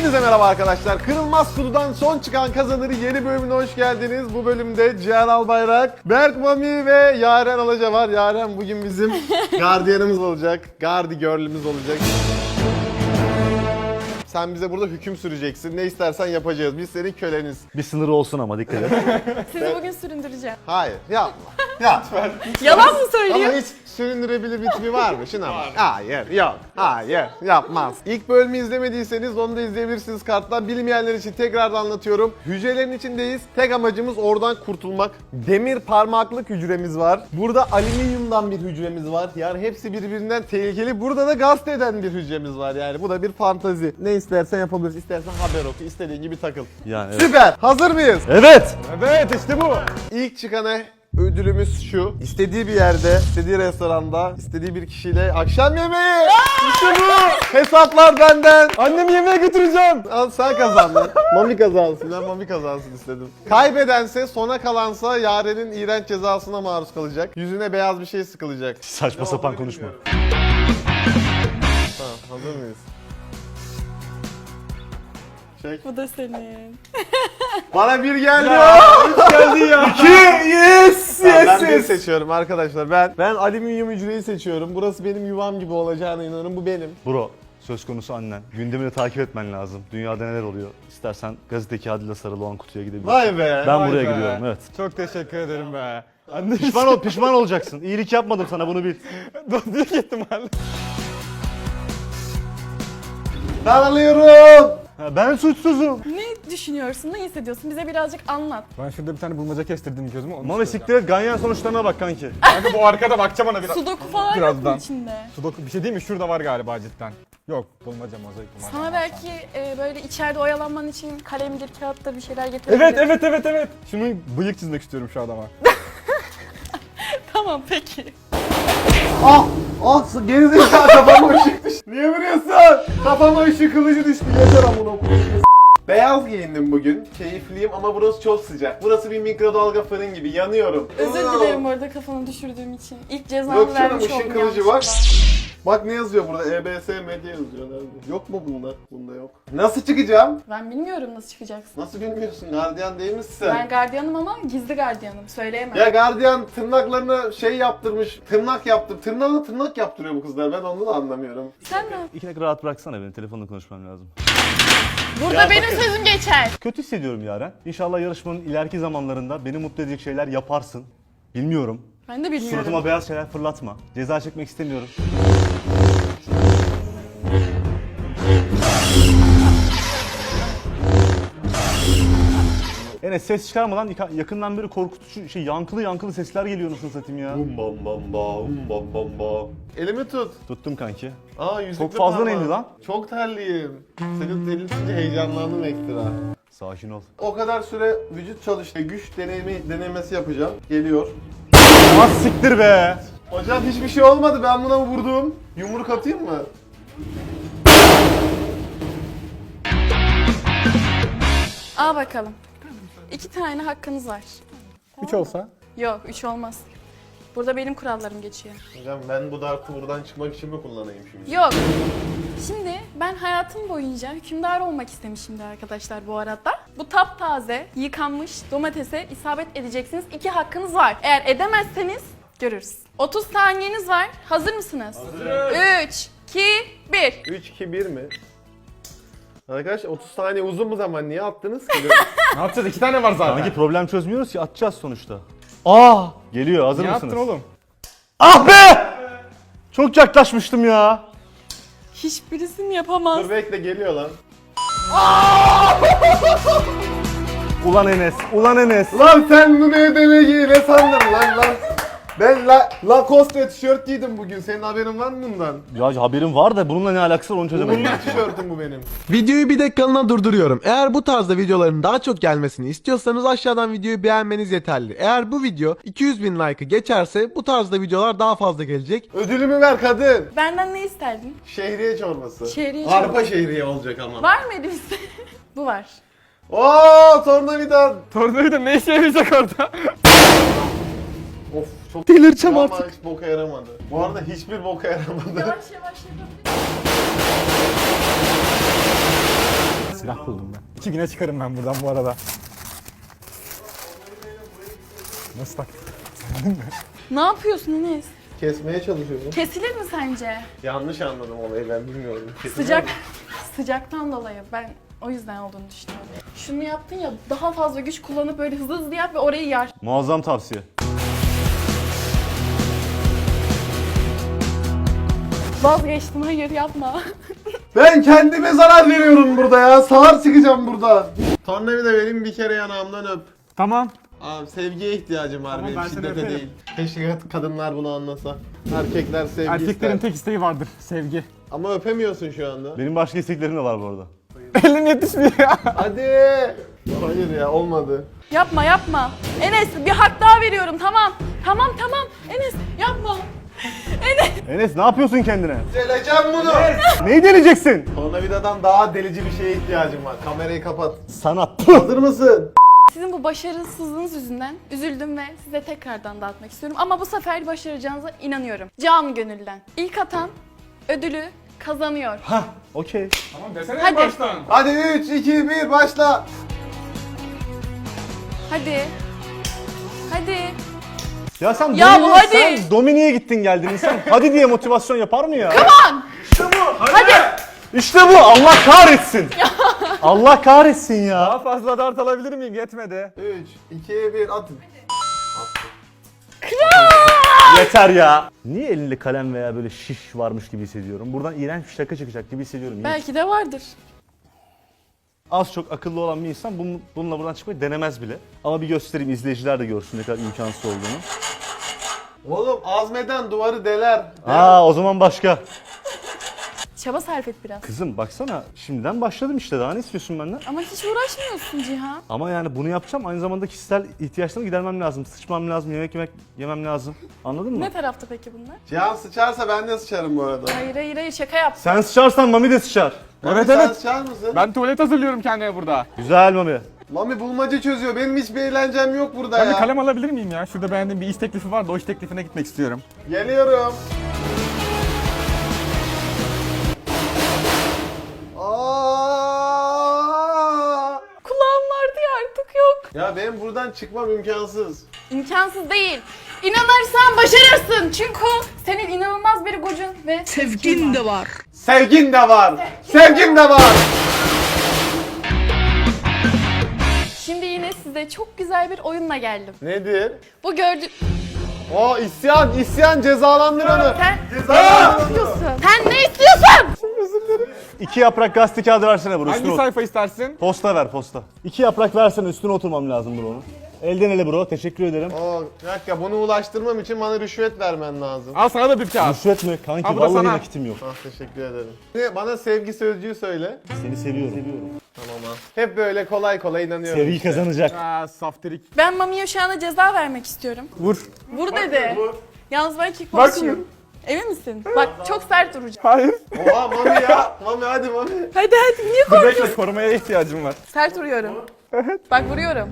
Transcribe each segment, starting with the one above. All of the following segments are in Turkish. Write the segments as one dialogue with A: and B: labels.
A: Hepinize merhaba arkadaşlar. Kırılmaz Kutu'dan son çıkan kazanır yeni bölümüne hoş geldiniz. Bu bölümde Cihan Albayrak, Berk Mami ve Yaren Alaca var. Yaren bugün bizim gardiyanımız olacak. Gardi girl'ümüz olacak. Sen bize burada hüküm süreceksin. Ne istersen yapacağız. Biz senin köleniz.
B: Bir sınırı olsun ama dikkat et.
C: Sizi bugün süründüreceğim.
A: Hayır, yapma. Yapma.
C: Yalan mı söylüyor?
A: Ama hiç süründürebilir bir tipi var mı? Şuna bak. Hayır, yok. Hayır, yapmaz. İlk bölümü izlemediyseniz onu da izleyebilirsiniz karttan. Bilmeyenler için tekrar anlatıyorum. Hücrelerin içindeyiz. Tek amacımız oradan kurtulmak. Demir parmaklık hücremiz var. Burada alüminyumdan bir hücremiz var. Yani hepsi birbirinden tehlikeli. Burada da gazete eden bir hücremiz var yani. Bu da bir fantazi. Ne istersen yapabilirsin. İstersen haber oku. İstediğin gibi takıl.
B: Yani evet.
A: Süper. Hazır mıyız?
B: Evet.
A: Evet, işte bu. İlk çıkana ödülümüz şu. İstediği bir yerde, istediği restoranda, istediği bir kişiyle akşam yemeği. İşte bu. Hesaplar benden. Annemi yemeğe götüreceğim. Al sen kazandın. Mami kazansın. Ben Mami kazansın istedim. Kaybedense, sona kalansa Yaren'in iğrenç cezasına maruz kalacak. Yüzüne beyaz bir şey sıkılacak.
B: Saçma sapan konuşma.
A: Tamam, hazır mıyız? Çek.
C: Bu da senin.
A: Bana bir geldi.
B: Geldi ya.
A: Yes, ben bir seçiyorum arkadaşlar. Ben alüminyum hücreyi seçiyorum. Burası benim yuvam gibi olacağına inanıyorum. Bu benim.
B: Bro, söz konusu annen. Gündemini takip etmen lazım. Dünyada neler oluyor? İstersen gazete kağıdıyla sarılı olan kutuya gidebilirsin.
A: Vay be.
B: Ben
A: vay
B: buraya
A: be.
B: gidiyorum, evet.
D: Çok teşekkür ederim be.
A: Anne
B: Pişman olacaksın. İyilik yapmadım sana, bunu bil.
D: Büyük ihtimalle.
A: Ben alıyorum.
B: Ha, ben suçsuzum.
C: Ne düşünüyorsun, ne hissediyorsun? Bize birazcık anlat.
D: Ben şurada bir tane bulmaca kestirdim gözüme. Onu
B: Mami
D: istiyorum.
B: siktir et, ganyan sonuçlarına bak kanki.
D: Kanka bu arkada bakacağım ona biraz.
C: Sudoku falan yok mu
D: Birazdan.
C: içinde?
D: Sudoku bir şey değil mi? Şurada var galiba cidden. Yok bulmaca mozaik var.
C: Sana belki böyle içeride oyalanman için kalemdir, kağıttır bir şeyler getirebilirim.
D: Evet. Şunun bıyık çizmek istiyorum şu adama.
C: Tamam peki.
A: Gerizekalı kafama ışık düştü. Niye vuruyorsun? Kafama ışık kılıcı düştü. Yeter amına koyayım. Beyaz giyindim bugün. Keyifliyim ama burası çok sıcak. Burası bir mikrodalga fırın gibi. Yanıyorum.
C: Özür dilerim orada kafanı düşürdüğüm için. İlk
A: Yok
C: cezamı
A: canım,
C: vermiş
A: ışın
C: oldum
A: kılıcı
C: yanlışlıkla.
A: var. Bak ne yazıyor burada? EBS medya yazıyor. Nerede? Yok mu bunda? Bunda yok. Nasıl çıkacağım?
C: Ben bilmiyorum nasıl çıkacaksın.
A: Nasıl bilmiyorsun? Gardiyan değil misin
C: Ben
A: sen?
C: gardiyanım ama gizli gardiyanım. Söyleyemem.
A: Ya gardiyan tırnaklarına şey yaptırmış. Tırnak yaptır. Tırnağına tırnak yaptırıyor bu kızlar. Ben onu da anlamıyorum.
C: Sen mi?
B: İki dakika rahat bıraksana beni, telefonla konuşmam lazım.
C: Burada benim sözüm geçer.
B: Kötü hissediyorum Yaren. İnşallah yarışmanın ileriki zamanlarında beni mutlu edecek şeyler yaparsın. Bilmiyorum.
C: Ben de bilmiyorum.
B: Suratıma beyaz şeyler fırlatma. Ceza çekmek istemiyorum. Enes ses çıkarmadan yakından beri korkutucu yankılı sesler geliyor, nasıl satayım ya.
A: Bum bam bam ba, bam bam ba. Elimi tut.
B: Tuttum kanki.
A: Aa, yüzükle
B: Çok fazla
A: parmağım.
B: neydi lan?
A: Çok terliyim. Senin elini tutunca heyecanlandım ekstra.
B: Sakin ol.
A: O kadar süre vücut çalıştı. Güç denemesi yapacağım. Geliyor.
B: Az siktir be.
A: Hocam hiçbir şey olmadı. Ben buna vurdum. Yumruk atayım mı?
C: Al bakalım. 2 tane hakkınız var.
D: 3 olsa.
C: Yok 3 olmaz. Burada benim kurallarım geçiyor.
A: Hocam ben bu dartı buradan çıkmak için mi kullanayım şimdi?
C: Yok. Şimdi ben hayatım boyunca hükümdar olmak istemişimdir arkadaşlar bu arada. Bu taptaze, yıkanmış domatese isabet edeceksiniz. 2 hakkınız var. Eğer edemezseniz görürüz. 30 saniyeniz var. Hazır mısınız?
A: Hazırız.
C: 3, 2, 1.
A: 3, 2, 1 mi? Arkadaşlar 30 saniye uzun mu zaman? Niye attınız ki?
D: Ne yapacağız? 2 tane var zaten.
B: Sanki problem çözmüyoruz ki, atacağız sonuçta. Aa! Geliyor, hazır
D: Niye
B: mısınız?
D: attın oğlum?
B: Ah be! Çok yaklaşmıştım ya.
C: Hiçbirisini yapamaz.
A: Dur bekle, geliyor lan.
B: Ulan Enes.
A: Lan sen bu ne demeyi ne sandın lan? Ben Lacoste tişört giydim bugün. Senin haberin var mı bundan?
B: Ya haberim var da bununla ne alakası var onu çözemedim.
A: Bunun tişörtüm bu benim.
E: Videoyu bir dakikalığına durduruyorum. Eğer bu tarzda videoların daha çok gelmesini istiyorsanız aşağıdan videoyu beğenmeniz yeterli. Eğer bu video 200.000 like'ı geçerse bu tarzda videolar daha fazla gelecek.
A: Ödülümü ver kadın.
C: Benden ne isterdin?
A: Şehriye çorbası.
C: Şehriye
A: Arpa
C: çorbası.
A: şehriye olacak ama.
C: Var mı elimizde? Bu var.
A: Oo, tornavida.
D: Tornavida ne işe yarayacak orada?
A: Of, çok
B: Delireceğim
A: ama
B: artık.
A: hiç boka yaramadı. Bu arada hiçbir boka yaramadı.
C: Yavaş yavaş yapabiliriz.
D: silah buldum ben. 2 güne çıkarım ben buradan bu arada. Nasıl tak?
C: Ne yapıyorsun Enes?
A: Kesmeye çalışıyorum.
C: Kesilir mi sence?
A: Yanlış anladım olayı, ben bilmiyorum.
C: Sıcaktan dolayı ben o yüzden olduğunu düşünüyorum. Şunu yaptın ya, daha fazla güç kullanıp böyle hızlı hızlı yap ve orayı yar.
B: Muazzam tavsiye.
C: Vazgeçtim, hayır yapma.
A: Ben kendime zarar veriyorum burada ya. Sağır çıkacağım burada. Tornavida vereyim, bir kere yanağımdan öp.
D: Tamam.
A: Abi sevgiye ihtiyacım var
D: Tamam,
A: benim,
D: ben seni
A: şiddete
D: öperim.
A: değil. Keşke kadınlar bunu anlasa. Erkekler sevgi
D: Erkeklerin
A: ister.
D: tek isteği vardır. Sevgi.
A: Ama öpemiyorsun şu anda.
B: Benim başka isteklerim de var bu arada.
D: Elim yetişmiyor ya.
A: Hadi. Hayır ya, olmadı.
C: Yapma yapma. Enes bir hak daha veriyorum, tamam. Tamam Enes yapma.
B: Enes ne yapıyorsun kendine?
A: Deleceğim bunu.
B: Neyi deneyeceksin?
A: Tornavidadan daha delici bir şeye ihtiyacım var. Kamerayı kapat.
B: Sanat.
A: Hazır mısın?
C: Sizin bu başarısızlığınız yüzünden üzüldüm ve size tekrardan dağıtmak istiyorum. Ama bu sefer başaracağınıza inanıyorum. Canı gönülden. İlk atan ödülü kazanıyor.
B: Hah, okey.
D: Tamam desene
C: Hadi.
D: baştan.
A: Hadi 3, 2, 1 başla.
C: Hadi. Hadi.
B: Ya sen
C: Ya
B: Domini'ye,
C: hadi.
B: sen Domini'ye gittin geldin. İnsan hadi diye motivasyon yapar mı ya?
C: Hadi.
B: İşte bu. Allah kahretsin. Allah kahretsin ya.
D: Daha fazla dart alabilir miyim? Yetmedi.
A: 3, 2, 1 atın.
B: Yeter ya. Niye elinde kalem veya böyle şiş varmış gibi hissediyorum? Buradan iğrenç bir şaka çıkacak gibi hissediyorum.
C: Belki de vardır.
B: Az çok akıllı olan bir insan bununla buradan çıkmayı denemez bile. Ama bir göstereyim, izleyiciler de görsün ne kadar imkansız olduğunu.
A: Oğlum azmeden duvarı deler.
B: O zaman başka.
C: Çaba sarf et biraz.
B: Kızım baksana şimdiden başladım işte, daha ne istiyorsun benden?
C: Ama hiç uğraşmıyorsun Cihan.
B: Ama yani bunu yapacağım, aynı zamanda kişisel ihtiyaçlarımı gidermem lazım. Sıçmam lazım, yemek yemem lazım. Anladın mı?
C: Ne tarafta peki bunlar?
A: Cihan sıçarsa ben de sıçarım bu arada.
C: Hayır şaka yap.
B: Sen sıçarsan Mami de sıçar.
A: Mami,
D: Evet,
A: sen
D: evet.
A: sıçar mısın?
D: Ben tuvalet hazırlıyorum kendime burada.
B: Güzel Mami.
A: Mami bulmaca çözüyor. Benim hiçbir eğlencem yok burada
D: Ben bir
A: ya.
D: kalem alabilir miyim ya? Şurada beğendiğim bir iş teklifi var da o iş teklifine gitmek istiyorum.
A: Geliyorum. Aa!
C: Kulağım vardı ya, artık yok.
A: Ya benim buradan çıkmam imkansız.
C: İmkansız değil. İnanırsan başarırsın. Çünkü senin inanılmaz bir gücün ve
F: Sevgin de var.
A: Sevgin de var. Sevgin de var.
C: şimdi yine size çok güzel bir oyunla geldim.
A: Nedir?
C: Bu gördüğün...
A: O isyan cezalandır onu.
C: Sen ne istiyorsun? Sen ne istiyorsun?
B: 2 yaprak gazete kağıdı versene bro.
D: Hangi
B: Üstüne
D: sayfa istersin?
B: Posta ver, posta. 2 yaprak versene, üstüne oturmam lazım bro'nun. Elden ele bro, teşekkür ederim.
A: Bir dakika, bunu ulaştırmam için bana rüşvet vermen lazım.
D: Al sana da bir kağıt.
B: Rüşvet mi? Kanki
D: Ha, bu da
B: vallahi
D: sana.
B: nakitim yok.
A: Teşekkür ederim. Şimdi bana sevgi sözcüğü söyle.
B: Seni seviyorum.
A: Tamam ha. Hep böyle kolay kolay inanıyorum.
B: Sevgi kazanacak.
D: Saftirik.
C: Ben Mami'ye şu anda ceza vermek istiyorum.
D: Vur.
C: Vur dedi.
A: Vur.
C: Yalnız ben
D: Bak
C: kickboxçıyım.
D: şimdi.
C: Emin misin? Bak çok sert duracağım.
D: Hayır.
A: Oha Mami ya. Mami hadi Mami.
C: Hadi niye
D: Dur bekle, korumaya ihtiyacım var.
C: Sert vuruyorum. Bak vuruyorum.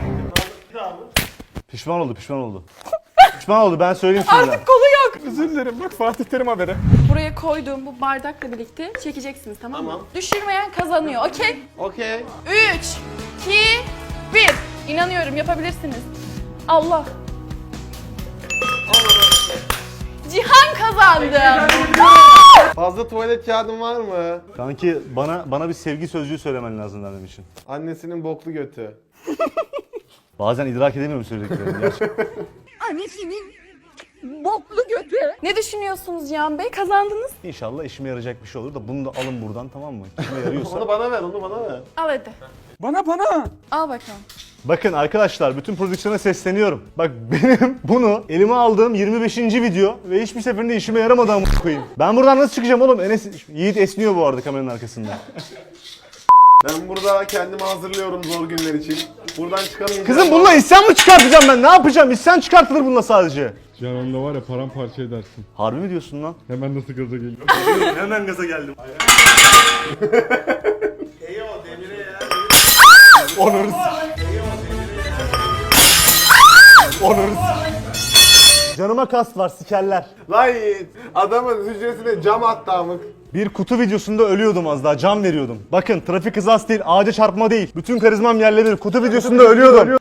B: Pişman oldu. Pişman oldu, ben söyleyeyim şimdi.
C: Artık kolu yok.
D: Özür dilerim, bak Fatih Terim haberi.
C: Buraya koyduğum bu bardakla birlikte çekeceksiniz, tamam mı?
A: Tamam.
C: Düşürmeyen kazanıyor, okey?
A: Okey.
C: 3, 2, 1. İnanıyorum, yapabilirsiniz. Allah. Cihan kazandı.
A: Fazla tuvalet kağıdın var mı?
B: Kanki bana bir sevgi sözcüğü söylemen lazım benim için.
A: Annesinin boklu götü.
B: Bazen idrak edemiyorum söylediklerini gerçekten.
F: Annesinin boklu götü.
C: Ne düşünüyorsunuz Cihan Bey? Kazandınız.
B: İnşallah işime yarayacak bir şey olur da bunu da alın buradan, tamam mı? İşime yarıyorsa.
A: Onu bana ver, onu bana ver.
C: Al hadi.
D: Bana.
C: Al bakalım.
B: Bakın arkadaşlar, bütün prodüksiyona sesleniyorum. Bak benim bunu elime aldığım 25. video ve hiçbir seferinde işime yaramadı amına koyayım. Ben buradan nasıl çıkacağım oğlum? Yiğit esniyor bu arada kameranın arkasında.
A: Ben burada kendimi hazırlıyorum zor günler için. Buradan çıkamayacağım.
B: Kızım bununla isyan mı çıkartacağım ben? Ne yapacağım? İsyan çıkartılır bununla sadece.
G: Can onda var ya paramparça edersin.
B: Harbi mi diyorsun lan?
G: Hemen nasıl gaza geliyor.
B: Hemen gaza geldim. Onur. Canıma kast var, sikerler.
A: Lan Yiğit, adamın hücresine cam attı amık.
B: Bir kutu videosunda ölüyordum az daha, can veriyordum. Bakın trafik kazası değil, ağaca çarpma değil. Bütün karizmam yerle bir. Kutu videosunda ölüyordum.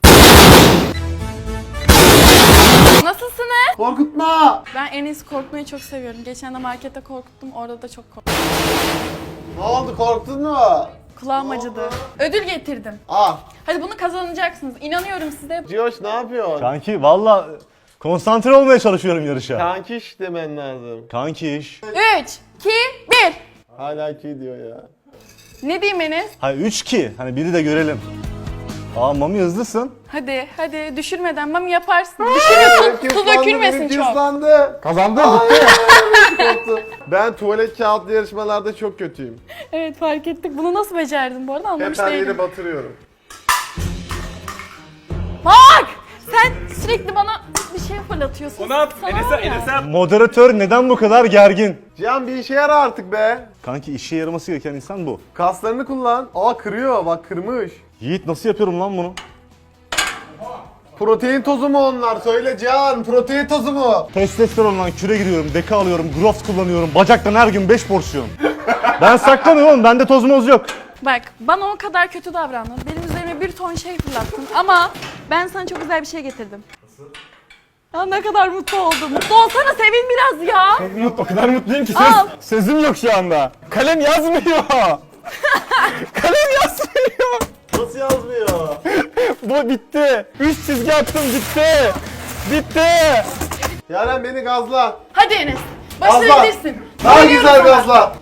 C: Nasılsınız?
A: Korkutma!
C: Ben en iyisi korkmayı çok seviyorum. Geçen de markette korkuttum, orada da çok korktum.
A: Ne oldu, korktun mu?
C: Kulağım acıdı. Ödül getirdim.
A: Ah,
C: Hadi bunu kazanacaksınız. İnanıyorum size.
A: Cihoş ne yapıyorsun?
B: Kanki valla konsantre olmaya çalışıyorum yarışa.
A: Kankiş demen lazım.
B: Kanki iş.
C: 3, 2, 1.
A: Hala ki diyor ya.
C: Ne diyeyim Enes?
B: Hayır 3-2. Hani biri de görelim. Aa Mami hızlısın.
C: Hadi düşürmeden mami yaparsın. Düşürüyorsun, su dökülmesin çok.
A: Islandı.
D: Kazandın.
A: Korktu. Ben tuvalet kağıtlı yarışmalarda çok kötüyüm.
C: Evet fark ettik. Bunu nasıl becerdin bu arada
A: Hep
C: anlamış
A: her
C: değilim.
A: yeri batırıyorum.
C: Bak! Sen sürekli bana bir şey fırlatıyorsun. Onu at. Enes'e
B: Moderatör neden bu kadar gergin?
A: Cihan bir işe yara artık be.
B: Kanki işe yaraması gereken insan bu.
A: Kaslarını kullan. Aa kırıyor, bak kırmış.
B: Yiğit nasıl yapıyorum lan bunu?
A: Protein tozu mu onlar? Söyle Cihan, protein tozu mu?
B: Testosterondan küre giriyorum, deka alıyorum, Growth kullanıyorum. Bacaktan her gün 5 porsiyon. Ben saklanıyorum oğlum, bende toz moz yok.
C: Bak bana o kadar kötü davrandın. Benim üzerime bir ton şey fırlattın ama ben sana çok güzel bir şey getirdim. Ya ne kadar mutlu oldum. Mutlu olsana, sevin biraz ya.
D: O kadar mutluyum ki
C: Al.
D: sözüm yok şu anda. Kalem yazmıyor. Kalem yazmıyor.
A: Nasıl yazmıyor?
D: Bu bitti. 3 çizgi attım, bitti. Bitti.
A: Yaren beni gazla.
C: Hadi Enes.
A: Gazla.
C: Başarabilirsin.
A: Daha
C: Güveniyorum
A: güzel
C: sana.
A: gazla.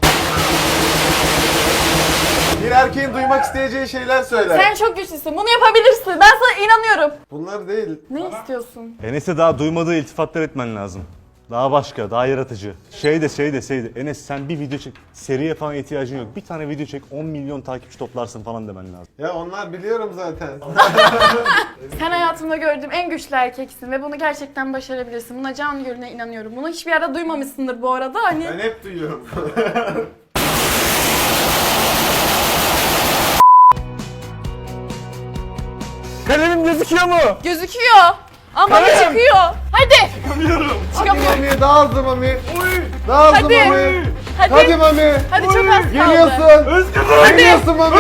A: Bir erkeğin duymak isteyeceği şeyler söyle.
C: Sen çok güçlüsün. Bunu yapabilirsin. Ben sana inanıyorum.
A: Bunlar değil.
C: Ne istiyorsun?
B: Enes'e daha duymadığı iltifatlar etmen lazım. Daha başka, daha yaratıcı. Şey de. Enes sen bir video çek. Seriye falan ihtiyacın yok. Bir tane video çek, 10 milyon takipçi toplarsın falan demen lazım.
A: Ya onlar biliyorum zaten.
C: Sen hayatımda gördüğüm en güçlü erkeksin ve bunu gerçekten başarabilirsin. Buna can gönülden inanıyorum. Bunu hiçbir yerde duymamışsındır bu arada. Hani
A: Ben hep duyuyorum.
D: Kalemim gözüküyor mu?
C: gözüküyor. Ama
D: Kalem.
C: çıkıyor. Hadi. Çıkamıyorum.
A: Mami daha hızlı Mami. Daha hızlı
C: Hadi.
A: Mami.
C: Hadi.
A: Hadi Mami.
C: Hadi çok az kaldı.
A: Geliyorsun. Geliyorsun Mami.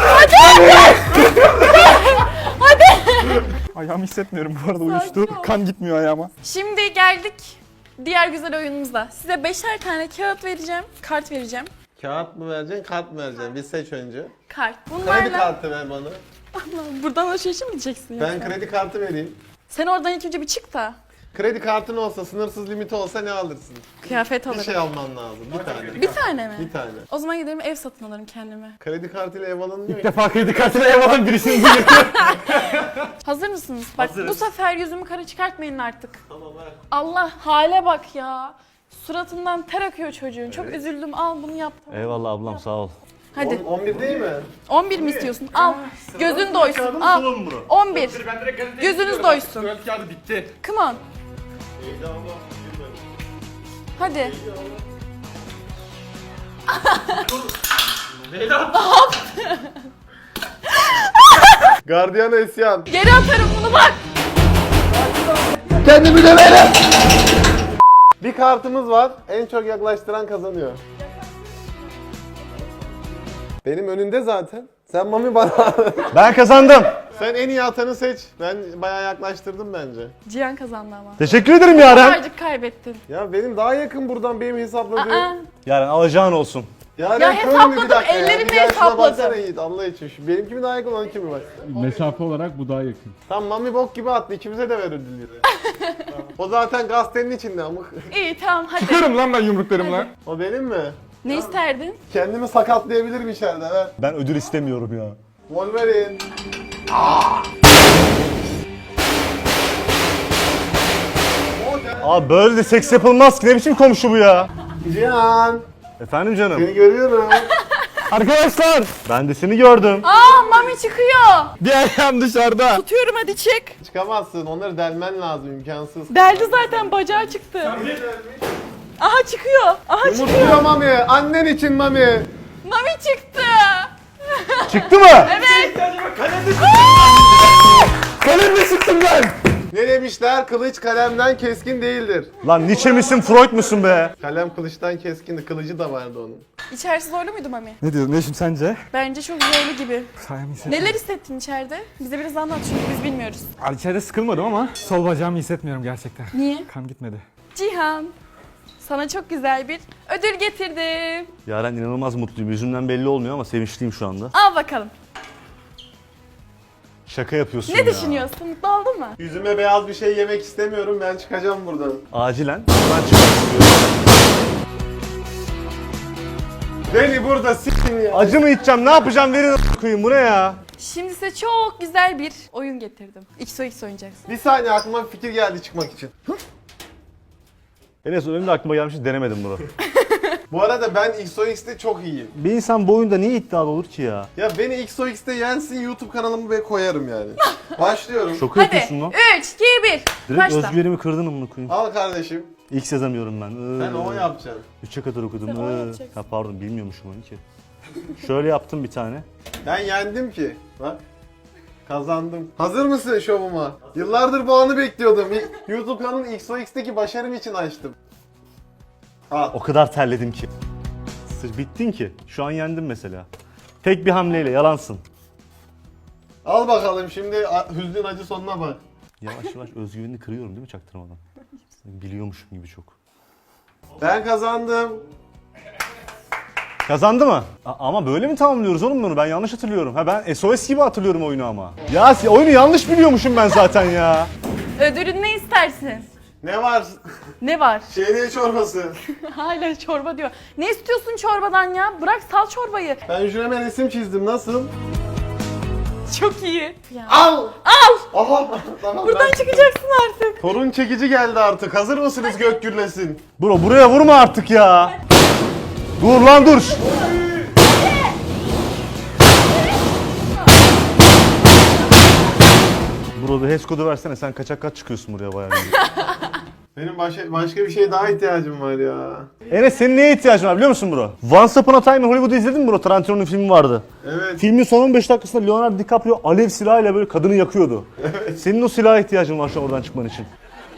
D: Ayağımı hissetmiyorum bu arada,
C: Sakin
D: uyuştu.
C: ol.
D: Kan gitmiyor ayağıma.
C: Şimdi geldik diğer güzel oyunumuza. Size 5'er tane kağıt vereceğim. Kart vereceğim.
A: Kağıt mı vereceksin, kart mı vereceksin? Bir seç önce.
C: Kart.
A: Kredi
C: Bunlarla
A: kartı ver bana.
C: buradan alışveriş mi diyeceksin?
A: Ben
C: yoksa?
A: kredi kartı vereyim.
C: Sen oradan ilk önce bir çık da
A: Kredi kartın olsa, sınırsız limiti olsa ne alırsın?
C: kıyafet
A: Bir
C: alırım.
A: şey alman lazım. Bir tane.
C: Bir tane mi?
A: Bir tane.
C: O zaman giderim ev satın alırım kendime.
A: Kredi kartıyla ev alınmıyor
D: İlk
A: ki.
D: defa kredi kartına ev alan birisini duyuyorum.
C: Hazır mısınız? Bak bu sefer yüzümü kara çıkartmayın artık.
A: Tamam ver.
C: Allah hale bak ya. Suratından ter akıyor çocuğun. Çok üzüldüm. Al bunu yaptım.
B: Eyvallah ablam sağ ol.
C: Hadi.
A: 11 değil mi?
C: 11 mi istiyorsun? Al. Gözün doysun. Al. 11. Gözünüz doysun.
D: Tuvalet kağıdı bitti.
C: Come on. Hadi.
A: Gardiyana isyan.
C: Geri atarım bunu bak.
A: Kendimi döverim. Bir kartımız var. En çok yaklaştıran kazanıyor. Benim önünde zaten. Sen Mami bana.
B: Ben kazandım.
A: Sen en iyi atanı seç. Ben bayağı yaklaştırdım bence.
C: Cihan kazandı ama.
B: Teşekkür ederim Yaren.
C: Birazcık kaybettin.
A: Ya benim daha yakın buradan benim hesapladığım.
C: Aa.
B: Yaren alacağın olsun.
A: Ya
C: hesapladım, ellerimle hesapladım.
A: Baksana Yiğit Allah için. Şu benimki mi daha yakın, onunki mi var?
G: Mesafe olarak bu daha yakın.
A: Tam Mami bok gibi attı. İkimize de ver ödülleri. O zaten gazetenin içinde amık.
C: İyi tamam hadi.
D: Çıkıyorum lan ben yumruklarımla.
A: O benim mi?
C: Ne isterdin?
A: Kendimi sakatlayabilirim içeride ver.
B: Ben ödül istemiyorum ya.
A: Wolverine.
B: Abi böyle de seks yapılmaz ki, ne biçim komşu bu ya?
A: Cihan.
B: Efendim canım.
A: Seni görüyorum.
D: Arkadaşlar
B: Ben de seni gördüm.
C: Aa Mami çıkıyor.
D: bir ayağım dışarıda.
C: Tutuyorum hadi çık.
A: Çıkamazsın. Onları delmen lazım. İmkansız.
C: Deldi zaten bacağı çıktı. Aha çıkıyor. Aha çıkıyor.
A: Yumurtluyor Mami. Annen için Mami.
C: Mami çıktı.
B: Çıktı mı?
C: Evet.
D: Kalemle çıktım ben.
A: Ne demişler? Kılıç kalemden keskin değildir.
B: Lan Nietzsche misin Freud musun be?
A: Kalem kılıçtan keskindi. Kılıcı da vardı onun.
C: İçerisi zorlu muydu Mami?
D: Ne diyorsun Yeşim sence?
C: Bence çok zorlu gibi.
D: Sayem
C: Neler hissettin içeride? Bize biraz anlat çünkü biz bilmiyoruz.
D: İçeride sıkılmadım ama sol bacağımı hissetmiyorum gerçekten.
C: Niye?
D: Kan gitmedi.
C: Cihan, sana çok güzel bir ödül getirdim.
B: Yaren inanılmaz mutluyum. Yüzümden belli olmuyor ama sevinçliyim şu anda.
C: Al bakalım.
B: Şaka yapıyorsun
C: Ne
B: ya.
C: düşünüyorsun? Mutlu oldun mu?
A: Yüzüme beyaz bir şey yemek istemiyorum. Ben çıkacağım buradan.
B: Acilen. Ben çıkmak istiyorum.
A: Beni burada s**tin ya.
B: Acı mı içeceğim? Ne yapacağım? Verin a**ayım. Bu ne ya?
C: Şimdi size çok güzel bir oyun getirdim. XOX oynayacaksın.
A: Bir saniye aklıma bir fikir geldi çıkmak için.
B: Enes benim de aklıma gelmiş denemedim bunu.
A: Bu arada ben XOX'te çok iyiyim.
B: Bir insan bu oyunda niye iddialı olur ki ya?
A: Ya beni XOX'te yensin YouTube kanalımı ve koyarım yani. Başlıyorum.
B: Şoku
C: Hadi
B: yapıyorsun lan.
C: 3, 2, 1.
B: Direkt
C: Başla.
B: özgüvenimi kırdın amına koyayım.
A: Al kardeşim.
B: İlk yazamıyorum ben.
A: Sen o yapacaksın.
B: 3'e kadar okudum.
C: Sen o yapacaksın.
B: Ha pardon bilmiyormuşum onu ki. Şöyle yaptım bir tane.
A: Ben yendim ki. Bak. Kazandım. Hazır mısın şovuma? Yıllardır bu anı bekliyordum. YouTube kanalının XOX'teki başarım için açtım. Al.
B: O kadar terledim ki. Bittin ki. Şu an yendim mesela. Tek bir hamleyle yalansın.
A: Al bakalım şimdi hüznün acı sonuna bak.
B: Yavaş yavaş özgüvenini kırıyorum değil mi çaktırmadan? Biliyormuşum gibi çok.
A: Ben kazandım.
B: Kazandı mı? Ama böyle mi tamamlıyoruz oğlum bunu? Ben yanlış hatırlıyorum. Ha ben SOS gibi hatırlıyorum oyunu ama. Ya oyunu yanlış biliyormuşum ben zaten ya.
C: Ödülün ne istersin?
A: Ne var?
C: Ne var?
A: Şehriye çorbası.
C: Hala çorba diyor. Ne istiyorsun çorbadan ya? Bırak sal çorbayı.
A: Ben şuraya resim çizdim. Nasıl?
C: Çok iyi. Ya.
A: Al!
C: Al!
A: Aha! Tamam,
C: Buradan çıkacaksın artık.
A: Torun çekici geldi artık. Hazır mısınız gök gürlesin?
B: Bro buraya vurma artık ya. Dur lan dur. Bro bir HES kodu versene sen kaçak kaç çıkıyorsun buraya bayağı.
A: Benim başka bir şeye daha ihtiyacım var ya.
B: Enes senin neye ihtiyacın var biliyor musun bro? Once Upon a Time in Hollywood'u izledin mi bro? Tarantino'nun filmi vardı.
A: Evet.
B: Filmin son 15 dakikasında Leonardo DiCaprio alev silahıyla böyle kadını yakıyordu. Senin o silaha ihtiyacın var şu an oradan çıkman için.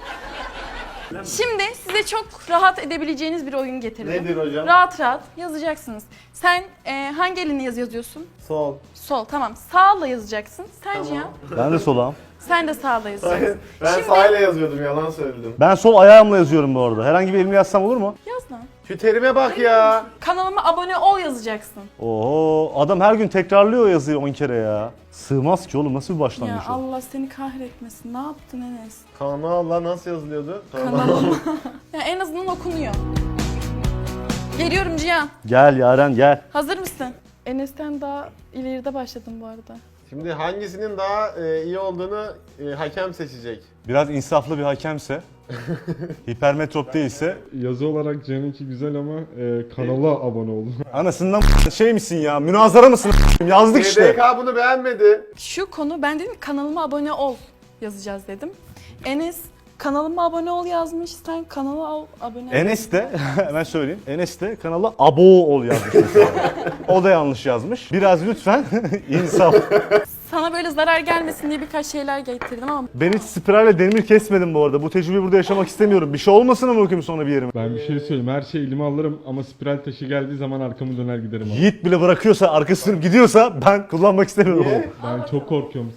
C: Şimdi size çok rahat edebileceğiniz bir oyun getirdim.
A: Nedir hocam?
C: Rahat rahat yazacaksınız. Sen hangi elinle yazıyorsun?
A: Sol.
C: Sol, tamam. Sağla yazacaksın. Sen
A: Tamam.
C: Cihan,
B: Ben de solağım.
C: sen de sağla yazacaksın.
A: Ben
C: Şimdi-
A: sahile yazıyordum, yalan söyledim.
B: Ben sol ayağımla yazıyorum bu arada. Herhangi bir elimle yazsam olur mu?
C: Yaz lan.
A: Şu terime bak ya.
C: Kanalıma abone ol yazacaksın.
B: Oo adam her gün tekrarlıyor o yazıyı 10 kere ya. Sığmaz ki oğlum nasıl bir
C: Ya
B: başlangıç o?
C: Allah seni kahretmesin. Ne yaptın Enes?
A: Kanalla nasıl yazılıyordu?
C: Kanalıma. Ya en azından okunuyor. Geliyorum Cihan.
B: Gel Yaren gel.
C: Hazır mısın? Enes'ten daha ileride başladım bu arada.
A: Şimdi hangisinin daha iyi olduğunu hakem seçecek.
B: Biraz insaflı bir hakemse, hipermetrop değilse
G: Yazı olarak Cihan'ınki güzel ama kanala abone olun.
B: anasından şey misin ya münazara mısın yazdık işte.
A: TDK bunu beğenmedi.
C: Şu konu ben dedim ki kanalıma abone ol yazacağız dedim. Enes kanalıma abone ol yazmış. Sen kanala abone ol.
B: Enes de hemen söyleyeyim. Enes de kanala abo ol yazmış mesela. O da yanlış yazmış. Biraz lütfen insaf.
C: Sana böyle zarar gelmesin diye birkaç şeyler getirdim ama
B: Ben hiç spiralle demir kesmedim bu arada. Bu tecrübeyi burada yaşamak istemiyorum. Bir şey olmasın ama bakayım sonra bir yerime.
G: Ben bir şey söyleyeyim, her şeyi elime alırım ama spiral taşı geldiği zaman arkamı döner giderim abi.
B: Yiğit bile bırakıyorsa, arkasını gidiyorsa ben kullanmak istemiyorum onu.
A: Niye?
G: Ben çok korkuyorum.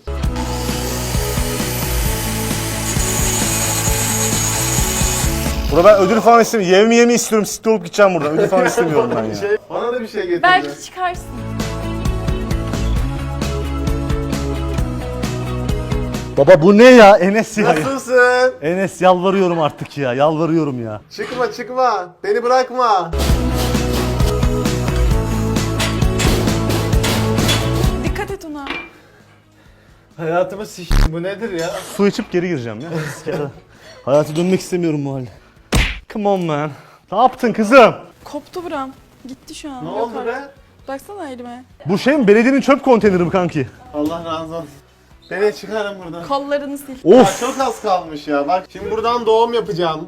B: Burada ben ödül falan istemiyorum. Yemi istiyorum. Sitte olup gideceğim buradan. Ödül falan istemiyorum ben ya.
A: Bana da bir şey getirdi.
C: belki çıkarsın.
B: Baba bu ne ya? Enes ya.
A: Nasılsın?
B: Enes yalvarıyorum artık ya. Yalvarıyorum ya.
A: Çıkma çıkma. Beni bırakma.
C: Dikkat et ona.
A: Hayatımı bu nedir ya?
B: Su içip geri gireceğim ya. Hayata dönmek istemiyorum bu halde. Come on man. Ne yaptın kızım?
C: Koptu buram. Gitti şu an.
A: Ne
C: Yok
A: oldu
C: artık.
A: be?
C: Baksana elime.
B: Bu şey mi? Belediyenin çöp konteyneri mi kanki?
A: Allah razı olsun. Beni çıkarın buradan.
C: Kollarını sil.
A: Ya
B: Of.
A: çok az kalmış ya. Bak şimdi buradan doğum yapacağım.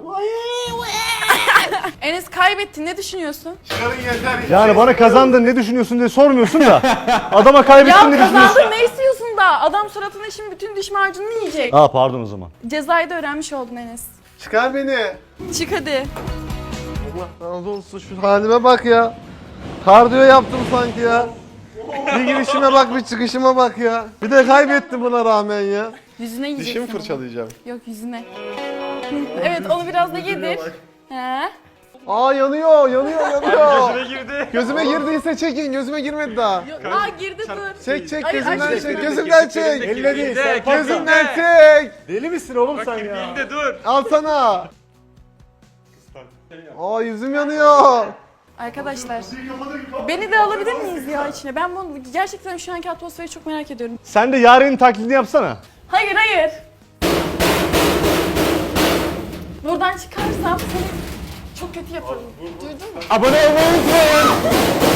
C: Enes kaybettin. Ne düşünüyorsun?
A: Çıkarın yeter.
B: Yani
A: Şey
B: bana
A: istiyorum.
B: kazandın ne düşünüyorsun diye sormuyorsun da. Adama kaybettin
C: Ya
B: ne düşünüyorsun?
C: kazandın ne istiyorsun da? Adam suratına şimdi bütün diş macununu yiyecek.
B: Aa pardon o zaman.
C: Cezayı da öğrenmiş oldun Enes.
A: Çıkar beni.
C: Çık hadi.
A: Allah razı olsun, şu halime bak ya. Kardiyo yaptım sanki ya. Bir girişime bak, bir çıkışıma bak ya. Bir de kaybettim buna rağmen ya.
C: Yüzüne yiyeceksin.
A: Dişimi
C: onu.
A: fırçalayacağım.
C: Yok yüzüne. Evet onu biraz da yedir. He.
A: Aa yanıyor, gözüme girdi. Gözüme girdiyse çekin, gözüme girmedi daha.
C: Aa girdi dur.
A: Çek,
C: Ay,
A: gözümden
C: ay,
A: çek, gözümden çek.
B: Elle değil sen
A: Gözümden çek.
B: Deli misin oğlum sen ya?
A: Al sana. Aa yüzüm yanıyor.
C: Arkadaşlar beni de alabilir miyiz ya içine? Ben bunu gerçekten şu anki atmosferi çok merak ediyorum.
B: Sen de Yaren'in taklidini yapsana.
C: Hayır hayır. Buradan çıkarsam seni çok kötü yaparım. Duydun mu?
D: Abone olmayı unutmayın.